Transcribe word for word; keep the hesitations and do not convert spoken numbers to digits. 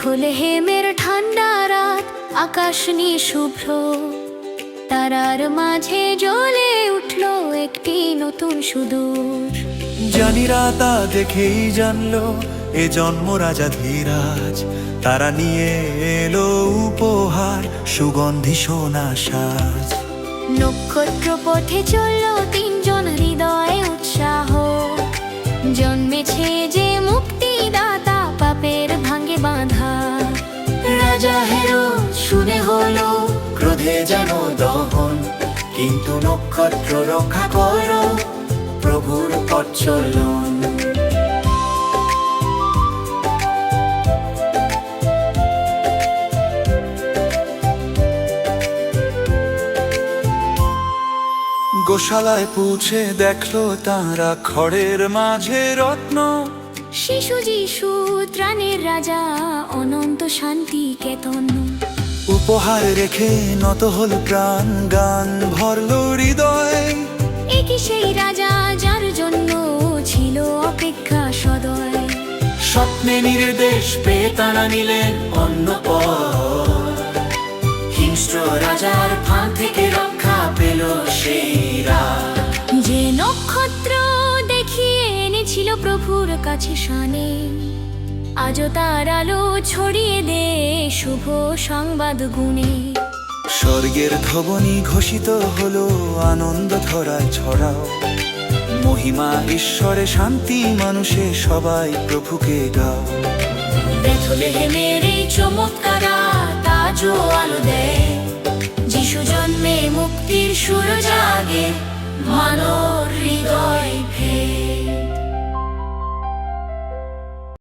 বেথলেহেমের ঠান্ডা রাত, আকাশ নিয়ে শুভ্র, তারার মাঝে জ্বলে উঠল একটি নতুন সুদূর। জানিরা তা দেখেই জানলো এ জন্ম রাজা ধীরাজ। তারা নিয়ে এলো উপহার, সুগন্ধি সোনা সাজ। নক্ষত্র পথে চলল তিনজন, হৃদয়ে উৎসাহ, জন্মেছে যে মুক্তিদাতা, পাপের ভাঙে বাঁধা। রাজা হেরো শুনে হলো ক্রোধে যেন দহন, কিন্তু নক্ষত্র রক্ষা করো প্রভুর পথ চলন। গোশালায় পৌঁছে দেখলো তারা খড়ের মাঝে রত্ন। শিশু যিশু ত্রাণের রাজা, অনন্ত শান্তি কেতন। উপহার রেখে নত হল প্রাণ, গান ভরল হৃদয়। একই সেই রাজা যার জন্য ছিল অপেক্ষা সদয়। স্বপ্নে নির্দেশ পেয়ে তারা নিলেন অন্য পথ। হিংস্র রাজার ফাঁদ থেকে রক্ষা পেল সেই রাত। যে নক্ষত্র দেখিয়ে এনেছিল প্রভুর কাছে শানে, আজও তার আলো ছড়িয়ে দে শুভ সংবাদ গুণে। স্বর্গের ধ্বনি ঘোষিত হলো, আনন্দ ধরায় ছড়াও। মহিমা ঈশ্বরে, শান্তি মানুষে, সবাই প্রভুকে গাও। বেথলেহেমের এই চমৎকার রাত আজও আলো দেয়, যিশু জন্মে মুক্তির সুর জাগে মানব